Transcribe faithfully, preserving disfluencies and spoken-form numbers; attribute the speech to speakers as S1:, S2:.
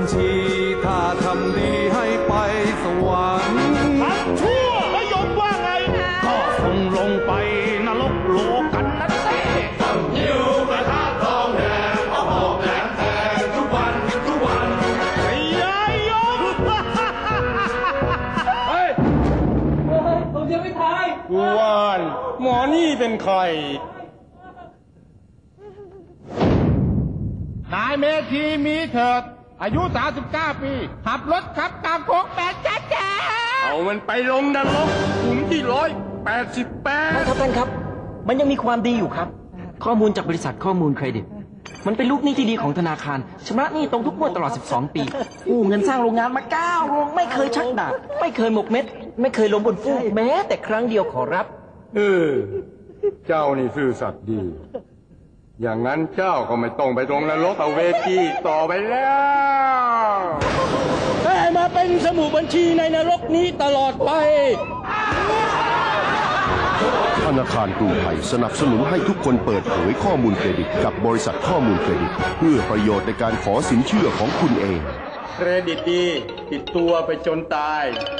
S1: ชีถ้าทำดีให้ไปสวรรค์
S2: ทำชั่วแล้วยมว่าไงก็คงลงไปนรกโลกันนะเต้หิวกระทะทองแดงเอาหอกแหลมแทงทุกวันทุกวันไอ้ยายยมเฮ้ยผมยังไม่ทายว่านหมอนี่เป็นใครนายเมธีมีเถิดอายุสามสิบเก้าปีขับรถขับตามโค้งแปดแจ๊แจ๊เอามันไปลงนรกหลุมที่ร้อยแปดสิบแปด
S3: ท่านครับท่านครับมันยังมีความดีอยู่ครับข้อมูลจากบริษัทข้อมูลเครดิตมันเป็นลูกหนี้ที่ดีของธนาคารชำระหนี้ตรงทุกงวดตลอดสิบสองปีกู้เงินสร้างโรงงานมาเก้าโรงไม่เคยชักดาบไม่เคยหมกเม็ดไม่เคยล้มบนฟูกแม้แต่ครั้งเดียวขอรับ
S2: เออเจ้านี่ซื่อสัตย์ดีอย่างนั้นเจ้าก็ไม่ต้องไปตรงนรกเอาเวทีต่อไปแล้วให้มาเป็นสมุดบัญชีในนรกนี้ตลอดไป
S4: ธนาคารกรุงไทยสนับสนุนให้ทุกคนเปิดเผยข้อมูลเครดิตกับบริษัทข้อมูลเครดิตเพื่อประโยชน์ในการขอสินเชื่อของคุณเอง
S2: เครดิตดีติดตัวไปจนตาย